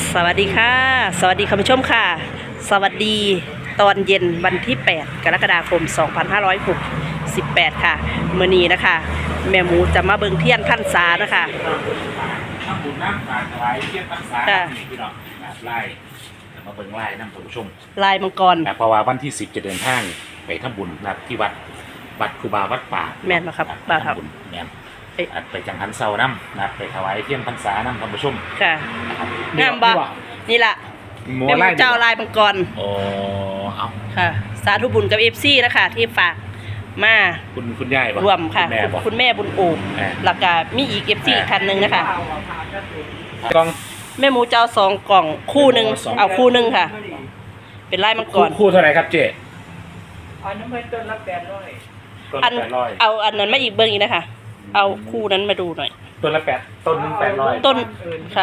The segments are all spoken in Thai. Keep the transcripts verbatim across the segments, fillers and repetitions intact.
สวัสดีค่ะสวัสดีคุณผู้ชมค่ะสวัสดีตอนเย็นวันที่แปดกรกฎาคมสองพันห้าร้อยหกสิบแปดค่ะมื้อนี้นะคะแม่หมูจะมาเบิ่งเทียนพรรษานะคะน้ำบุญน้ำปลาถวายเทียนพรรษาพี่น้องไล่มาเบิ่งไล่น้ำคุณผู้ชมลายมังกรเพราะว่าวันที่สิบจะเดินทางไปทำบุญนะที่วัดวัดครูบาวัดป่าแม่นนะครับบ่าวครับแม่นไปจังหันเสาน้ำนะไปถวายเทียนพรรษาน้ำคุณผู้ชมค่ะงามบ่นี่ล่ะแม่หมูเจ้าลายมังกรโอ้เอาค่ะสาธุบุญกับ เอฟ ซี นะคะที่ฝากมาคุณคุณยายรวมค่ะคุณแม่บุญโอบแล้วก็มีอีก เอฟ ซี คันนึงนะคะกล่องแม่หมูเจ้าสองกล่องคู่นึงเอาคู่นึงค่ะเป็นลายมังกรคู่เท่าไหร่ครับเจ๊อันนั้นเป็นต้นละแปดร้อยอันเอาอันนั้นมาอีกเบิ้งอีกนะคะเอาคู่นั้นมาดูหน่อยต้นละแปดต้นนึงแปดร้อยต้นค่ะ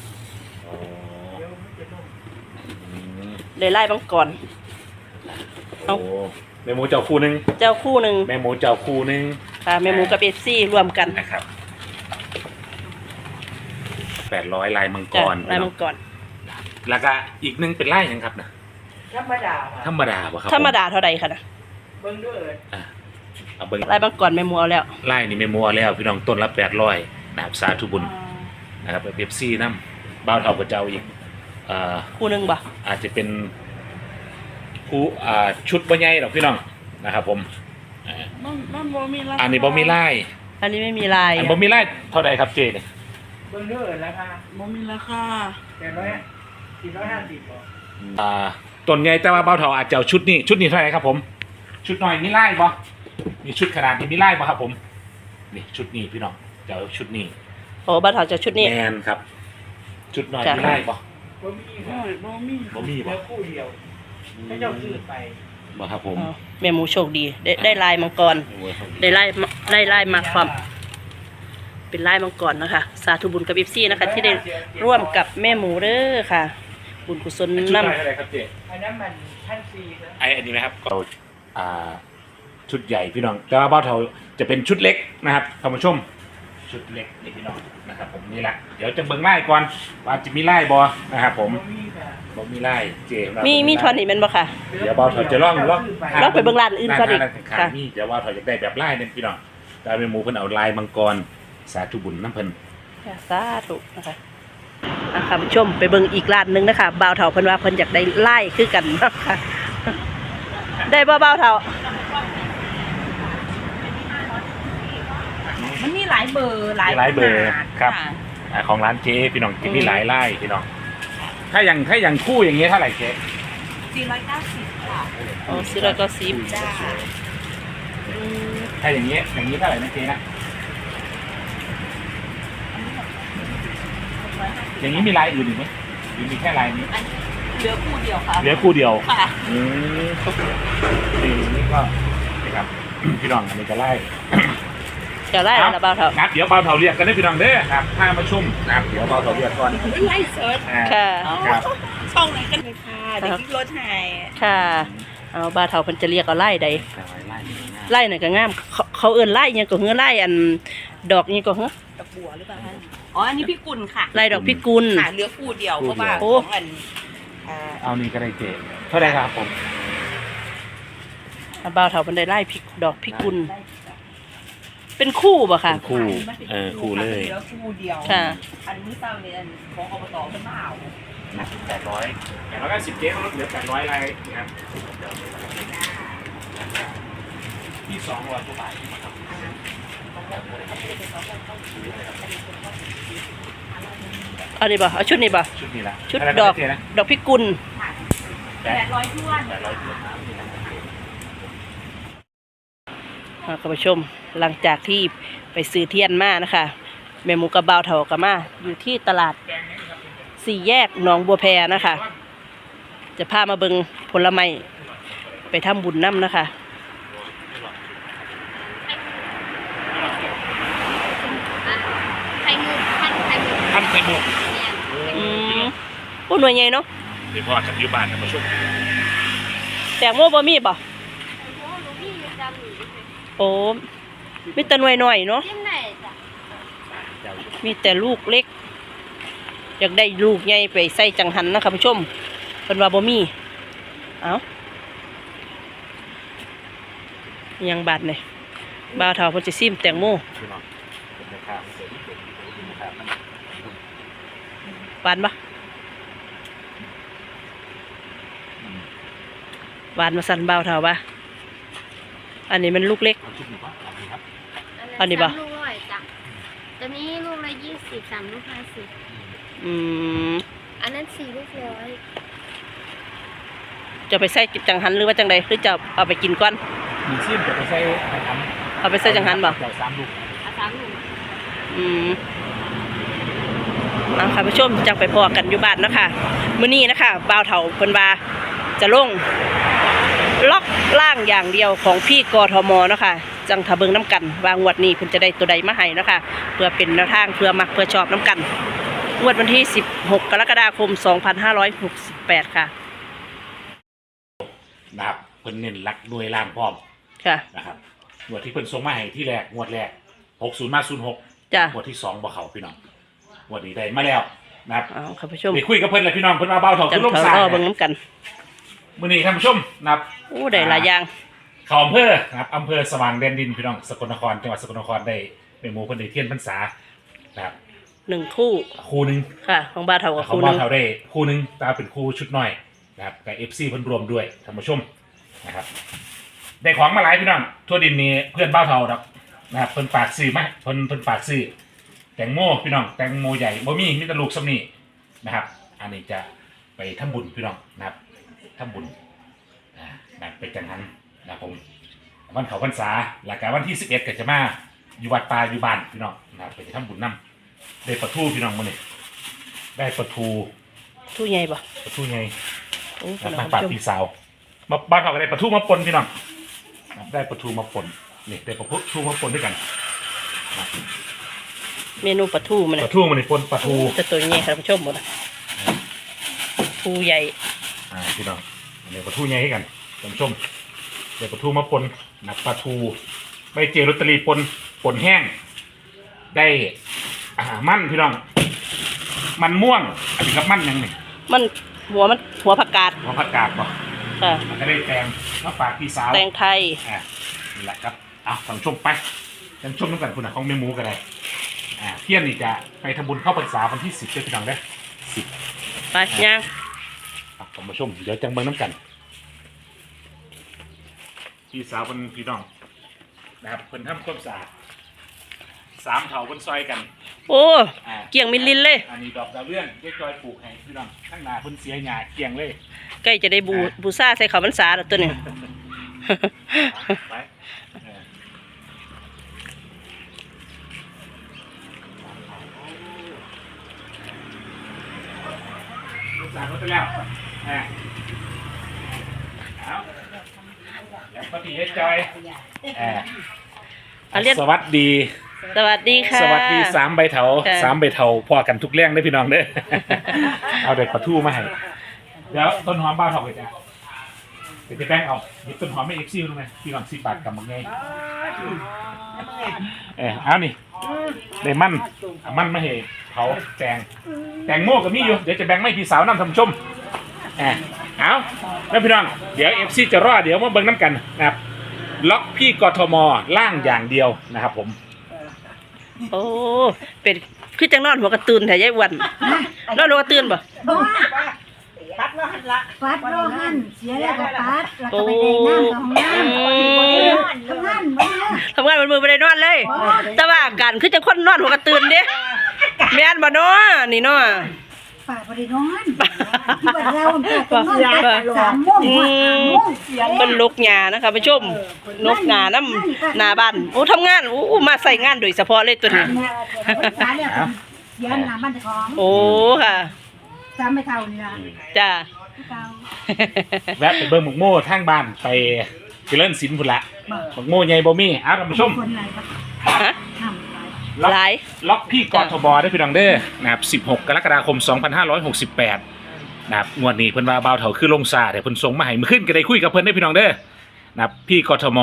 เลยไล่บังก่อนเอาแม่หมูเจ้าคู่นึงเจ้าคู่นึงแม่หมูเจ้าคู่นึงค่ะแม่หมูกับเอฟซีรวมกันนะครับแปดร้อยลายมังกรลายมังกรแล้วก็อีกนึงเป็นไล่ยังครับนะธรรมดาธรรมดาป่ะครับธรรมดาเท่าใดคะนะเบิ้งด้วยอ่ะเอาเบิ้งลายมังกรแม่หมูเอาแล้วไล่นี่แม่หมูเอาแล้วพี่น้องต้นละแปดร้อยนะครับสาธุบุญนะครับเอฟซีน้ำบ้าวเท่ากับเจ้าอีกคู่นึงบ่อาจจะเป็นคู่ชุดบะใหญ่หรอกพี่น้องนะครับผมอันนี้บ่มีลายอันนี้ไม่มีลายอันบ่มีลายเท่าไหร่ครับเจเนี่ยเบิ้งด้วยราคาบ่มีราคาแปดร้อยสี่ร้อยห้าสิบบ่อ่าต้นใหญ่แต่ว่าบ้าวเท่าอาจจะชุดนี้ชุดนี้เท่าไหร่ครับผมชุดหน่อยมีลายบ่มีชุดขนาดนี้มีลายบ่ครับผมนี่ชุดนี้พี่น้องเจ้าชุดนี้โอ้บ้าวเท่าจะชุดนี้แมนครับชุดหน่อยมีลายบ่บ่มีบ่มีบ่มีบ่คู่เดียวให้เจ้าซื้อไปบ่ครับผมแม่หมูโชคดีได้ได้ลายมังกรได้ลายได้ลายมาความเป็นลายมังกรนะคะสาธุบุญกับเอฟซีนะคะที่ได้ร่วมกับแม่หมูเด้อค่ะบุญกุศลนำอะไรครับเจ๊อันนั้นมันท่านฟรีนะไออันนี้ไหมครับเราอ่าชุดใหญ่พี่น้องแต่ว่าบ้าวเทาจะเป็นชุดเล็กนะครับท่านผู้ชมชุดเล็กนี่พี่น้องนะครับผมนี่แหละเดี๋ยวจะเบิ่งไล่ก่อนว่าจะมีไล่บอนะครับผมบ่มีไล่เจมีมีทอนนี่มันบ่ค่ะเดี๋ยวบ้าวเทาจะล่องล่องล่องไปเบิ่งร้านอื่นก่อนอีกค่ะนี่เดี๋ยวบ้าวเทาจะได้แบบไล่เนี่ยพี่น้องได้เป็นหมูเพิ่นเอาลายมังกรสาธุบุญน้ำเพิ่นสาธุนะคะนะคะผู้ชมไปเบิ่งอีกร้านนึงนะคะบ่าวเทาเพิ่นว่าเพิ่นอยากได้ไล่คือกันนะคะได้บ่บ่าวเทามันมีหลายเบอร์หลายหลายเบอร์ครับของร้านเจ๊พี่น้องจะมีหลายไล่พี่น้องถ้าอย่างถ้าอย่างคู่อย่างเงี้ยเท่าไหร่เจ๊สี่ร้อยเก้าสิบค่ะโอ้สี่ร้อยเก้าสิบจ้าถ้าอย่างเงี้ยอย่างนี้เท่าไหร่นะเจ๊นะอย่างนี้มีลายอื่นอีกไหมหรือมีแค่ลายนี้เหลือคู่เดียวค่ะเหลือคู่เดียวค่ะอืมนี่ก็นะครับพี่น้องอันนี้จะไล่จะไล่แล้วเบาเท่าครับเดี๋ยวเบาเท่าเรียกกันได้พี่น้องเด้อครับถ้ามาชุ่มนะครับเดี๋ยวเบาเท่าเรียกก่อนไล่เซิร์ชค่ะครับช่องไหนกันเลยค่ะเด็กรถไฮค่ะเอาเบาเท่าเพิ่นจะเรียกเอาไล่ใดไล่หน่อยก็งามเขาเอิ้นไล่ยังก็เฮือไล่อันดอกนี่ก็เฮือดอกบัวหรือเปล่าอ๋ออันนี้พี่กุลค่ะไล่ดอกพี่กุลค่ะเหลือคู่เดียวเพราะว่าของอันเอานี่ก็ได้เจ๊เท่าไหร่ครับผมเบาเท่าเพิ่นได้ไล่พริกดอกพี่กุลเป็นคู่ป่ะค่ะคู่เออคู่เลยเหลือคู่เดียวค่ะอันนี้เต้าเนี่ยของอบตเป็นเปล่าแปดร้อยแปดร้อยเก้าสิบเจ๊เขาลดเหลือแปดร้อยอะไรนะครับที่สองร้อยกว่าบาทอันนี้ป่ะเอาชุดนี้ป่ะชุดนี้ละชุดดอกดอกพิกุลแปดร้อยท้วนแปดร้อยท้วนคุณผู้ชมหลังจากที่ไปซื้อเทียนมานะคะแม่หมูกับบ่าวเถากับมาอยู่ที่ตลาดสี่แยกหนองบัวแพนะคะจะพามาเบิงผลไม้ไปทำบุญน้ำนะคะทำไข่มุกอืมพูดหน่วยใหญ่เนาะเดี๋ยวพ่อจะอยู่บ้านนะมาช่วยแตงโมบะมี่ป่ะโอ้มีแต่หน่วยหน่อยเนาะมีแต่ลูกเล็กอยากได้ลูกใหญ่ไปใส่จังหันนะคะผู้ชมเพิ่นว่าบ่มีเอ้ายังบาดเลยบ่าวเฒ่าเพิ่นจะซิมแตงโมพี่น้องเป็นราคาเสริมเป็นราคามันหวานปะหวานมาสั่นบ่าวเฒ่าปะอันนี้มันลูกเล็กเอาชุดหนึ่งก่อนเอาดีครับอันนี้ปะสามลูกร้อยจ้ะตัวนี้ลูกละยี่สิบสามลูกห้าสิบอืมอันนั้นสี่ลูกร้อยจะไปใส่จังหันหรือว่าจังใดหรือจะเอาไปกินก่อนมีซิมจะไปใส่ไปทเอาไปใส่จังหันบ่ำใส่สามลูกเอาสามลูกอืมเอาค่ะผู้ชมจังไปพอกันอยู่บ้านเนาะคะมื้อนี้นะคะบ่าวเฒ่าเพิ่นว่าจะลงล็อกล่างอย่างเดียวของพี่กทมเนาะค่ะจังทะเบิงน้ำกันวางงวดนี้เพิ่นจะได้ตัวใดมาให้เนาะค่ะเพื่อเป็นแนวทางเพื่อมักเพื่อชอบน้ำกันงวดวันที่สิบหกกรกฎาคมสองพันห้าร้อยหกสิบแปดค่ะนะครับเพิ่นเน้นรักด้วยล่างพร้อมค่ะนะครับงวดที่เพิ่นส่งมาให้ที่แรกงวดแรกหกศูนย์มาศูนย์หกจ้ะงวดที่สองบ่เขาพี่น้องงวดนี้ได้มาแล้วนะครับเอาค่ะผู้ชมไปคุยกับเพิ่นเลยพี่น้องเพิ่นว่าเบาเถาจัขึ้งนลงเถาสายรอเบิ่งน้ำกันมื้อนี้ท่านผู้ชมนะครับโอ้ได้หลายอย่างเขาอำเภอนะครับอำเภอสว่างแดนดินพี่น้องสกลนครจังหวัดสกลนครได้เป็นหมู่เพิ่นได้เทียนพรรษานะครับหนึ่งคู่คู่หนึงค่ะ ของบ้านเฒ่ากับเขาคู่หว่านึงเขาได้คู่หนึงตาเป็นคู่ชุดน้อยนะครับกับ เอฟ ซี เพิ่นรวมด้วยท่านผู้ชมนะครับได้ของมาหลายพี่น้องทั่วดินนี้เพื่อนบ้าวเฒ่าครับนะครับเพิ่นฝากซื้อมาเพิ่นเพิ่นฝากซื้อแตงโมพี่น้องแตงโมใหญ่บ่มีมีแต่ลูกซ้ำนี่นะครับอันนี้จะไปทำบุญพี่น้องนะครับทำบุญอ่านะครับไปจังหันนะครับผมวันเขาพรรษาหลักการวันที่สิบเอ็ดก็จะมาอยู่วัดป่าอยู่บ้านพี่น้องนะครับไปทำบุญนํได้ปลาทูพี่น้องมื้อนี้ได้ปลาทูทู่ใหญ่ปะปลาทูไงโอ้นะค่ะทางผู้ปากชมพี่สาวมาบ้านเขาก็ได้ปลาทูมาปนพี่น้องนะครับได้ปลาทูมาปนนี่ได้ปลาทูมาปนด้วยกันนะเมนูปลาทูมันปน่ะลาทูมันนี่ปนปลาทูแต่ตัวใหญ่ค่ะผู้ชมหมดน่ะทูใหญ่อ่าพี่น้องอันนี้ปลาทูไงให้กันท่านผู้ชมได้ปลาทูมาปนนะปลาทูใบเจลอตเตอรี่ปนปนแห้ง ได้อ่ามันพี่น้อง มันม่วงอันนี้ครับมันยังไงมันหัวมันหัวผักกาดหัวผักกาดป่ะค่ะมันก็ได้แตงมาฝากพี่สาวแตงไทยอ่านี่แหละครับเอาท่านผู้ชมไปท่านผู้ชมต้องการคุณของเมมูกันเลยอ่าเที่ยงนี่จะไปทำบุญเข้าพรรษาวันที่สิบเดือนพี่น้องได้สิบไปย่างท่านผู้ชมเดี๋ยวจังเบิ้งน้ำกันพี่สาวเป็นพี่น้องนะครับเพิ่นทำความสะอาดสามเถาเพิ่นซอยกันโอ้อ่าเกี่ยงมิลลินเลยอันนี้ดอกดาวเรืองเจ๊จอยปลูกให้พี่น้องข้างหน้าเพิ่นเสียหญ้าเกี่ยงเลยใกล้จะได้บูบูซาใส่ข้าวพรรษาแล้วตัวนี้ไปเออลูกสาวเขาไปแล้วอ่าเอาแล้วพอดีเจ๊จอยอ่าเอาเรียกสวัสดีสวัสดีค่ะสวัสดีสามใบเถาค่ะสามใบเถาพอกันทุกเรื่องได้อพี่น้องเด้อ เอาเด็กปลาทูมาให้เดี๋ยวต้นหอมบ้าเถาไปจ้ะเดี๋ยวจะแป้งเอาหยิบต้นหอมไม่เอ็กซิลรู้ไหมพี่น้องสิบบาทกับมังไงเออเอานี่ได้มันเอามันมาให้เผาแตงแตงโม่กับมีอยู่เดี๋ยวจะแบ่งไม่พี่สาวนำทำชมเออเอาแล้วพี่น้องเดี๋ยวเอฟซีจะรอดเดี๋ยวมาเบิ่งน้ำกันนะครับล็อกพี่กทมล่างอย่างเดียวนะครับผมโอ้เป็นคือจังนอนหัวกระตือนแต่ยายอ้วันนอนหัวกระตือนบ่ปัดแล้วหันละปัดโลหันเสียแล้วก็ปัดแล้วก็ไปได้น้ำของน้ำทำงานมันเนอะทำงานมันมือไปได้นอนเลย แต่ว่าอาการคือจังคนนอนหัวกระตือนเด้แม่นบ่เนาะนี่เนาะป่าบริโนอนที่บ้านเราป่าต้องนอนแต่สามโมงอืหัวสามมโมงเป็นลูกหญ้านะคะผู้ชมนกหญ้าน้ำหน้าบ้านโอ้ทำงานโอ้มาใส่งานโดยเฉพาะเลยตัวนี้เนี่ยสาเนี่ยเสียหนาบ้านของโอ้ค่ะสามไม่เท่านี่ละจ้าเท่าแวะไปเบิ่งหมกโม่ทางบ้านไปเจริญศิลป์พุ่นละหมกโม่ใหญ่บ่มีเอาท่านผู้ชมคนไหนก็ฮะทำไปล็อกหลายล็อกพี่กทบได้พี่น้องเด้อนะครับสิบหกกรกฎาคมสองพันห้าร้อยหกสิบแปดนะครับงวดนี้เพิ่นว่าบ่าวเฒ่าคือลงซาเดี๋ยวเพิ่นส่งมาให้มื้อขึ้นก็ได้คุยกับเพิ่นได้พี่น้องเด้อนะครับพี่กทม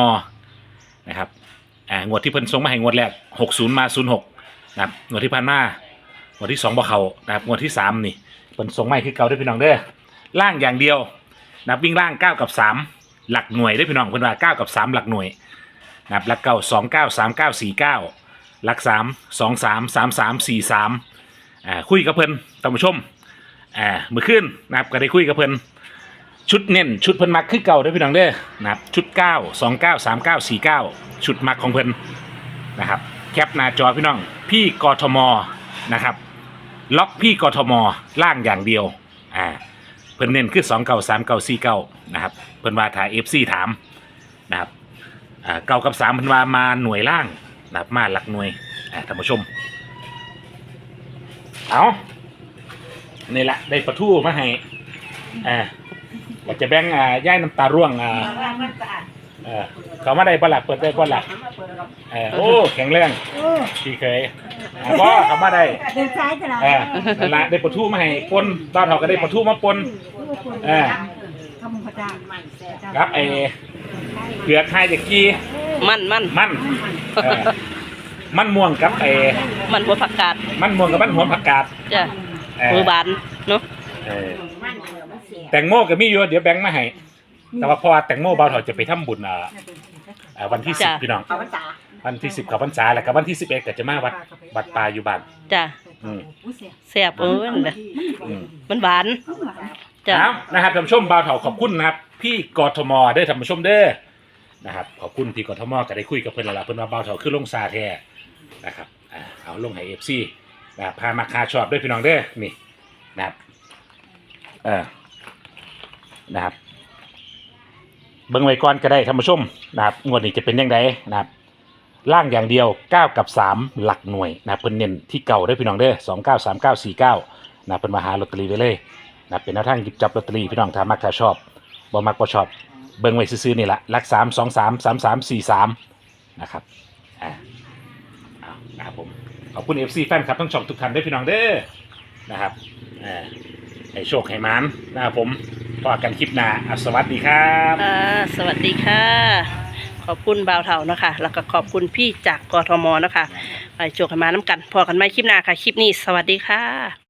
นะครับอ่างวดที่เพิ่นส่งมาให้งวดแรกหกสิบมาศูนย์หกนะครับงวดที่ผ่านมางวดที่สองบ่เขานะครับงวดที่สามนี่เป็นทรงไม้คือเก่าด้วยพี่น้องเด้อล่างอย่างเดียวนะครับวิ่งล่างเก้ากับสามหลักหน่วยด้วยพี่น้องเพิ่นว่าเก้ากับสามหลักหน่วยนะครับหลักเก้าสองเก้าสามเก้าสี่เก้าหลักสามสองสามสามสามสี่สามอ่าคุยกับเพิ่นท่านผู้ชมอ่าเมื่อคืนนะครับก็ได้คุยกับเพิ่นชุดเน้นชุดเพิ่นมักคือเก่าด้วยพี่น้องเด้อนะครับชุดเก้าสองเก้าสามเก้าสี่เก้าชุดมักของเพิ่นนะครับแคปหน้าจอพี่น้องพี่กทมนะครับล็อกพี่กทมล่างอย่างเดียวอ่าเพิ่นเน้นคือสองเก้าสามเก้าสี่เก้านะครับเพิ่นว่าถ่ายเอฟซีถามนะครับอ่าเก้ากับสามเพิ่นว่ามาหน่วยล่างนะครับมาหลักหน่วยอ่าท่านผู้ชมเอานี่แหละได้ปลาทูมาให้อ่าว่าจะแบ่งอ่าย่ายน้ำตาร่วงอ่าเออเขามาได้บ่ล่ะเปิดได้บ่ล่ะเออโอ้แข็งแรงโอ้พี่เคยอ่าบ่เขามาได้เดินซ้ายตลอดเออนั่นละได้ปลาทูมาให้ปนบ้านเขาก็ได้ปลาทูมาปน เออทำพระเจ้าครับไอ้เผือกไฮเด็กกี้มันมันมันเออมันม่วงกับไอ้มันหัวผักกาดมันม่วงกับมันหัวผักกาดจ้ะเออมือบานเนาะเออแตงโมก็มีอยู่เดี๋ยวแบงค์มาให้แต่ว่าเพอแตงโมเบาเถาจะไปทำบุญอ่าอ่าวันที่สิบพี่น้องเอาภาษาวันที่สิบกับพรรษาแล้วก็วันที่สิบเอ็ดก็จะมาวัดวัดป่าอยู่บ้านจ้ะอืมแซ่บเออนั่นแหละอืมมันหวานจ้ะเอานะครับท่านผู้ชมบ่าวเถาขอบคุณนะครับพี่กทมเด้อท่านผู้ชมเด้อนะครับขอบคุณพี่กทมก็ได้คุยกับเพิ่นแล้วล่ะเพิ่นว่าบ่าวเถาคือลงซาแท้นะครับอ่าเอาลงให้ เอฟ ซี นะครับพามาคาชอบด้วยพี่น้องเด้อนี่นะครับเออนะครับเบิ่งไว้ก่อนก็ได้ท่านผู้ชมนะครับงวดนี้จะเป็นยังไงนะครับล่างอย่างเดียวเก้ากับสามหลักหน่วยนะครับเพิ่นเน้นที่เก่าด้วยพี่น้องเด้อสองเก้าสามเก้าสี่เก้านะครับเพิ่นมาหาลอตเตอรี่ไว้เลยนะครับเป็นแนวทางหยิบจับลอตเตอรี่พี่น้องถ้ามักถ้าชอบบ่มักบ่ชอบเบิ่งไว้ซื่อๆนี่แหละหลักสามสองสามสามสามสี่สามนะครับอ่าเอานะครับผมขอบคุณ เอฟ ซี แฟนคลับทั้งช่องทุกท่านด้วยพี่น้องเด้อนะครับอ่าให้โชคให้หมานนะครับผมพบกันคลิปหน้าอ่ะสวัสดีครับอ่าสวัสดีค่ะ ขอบคุณบ่าวเถานะคะ แล้วก็ขอบคุณพี่จากกทมนะคะไปโจกให้มาน้ำกัน พอกันไหมคลิปหน้าค่ะ คลิปนี้สวัสดีค่ะ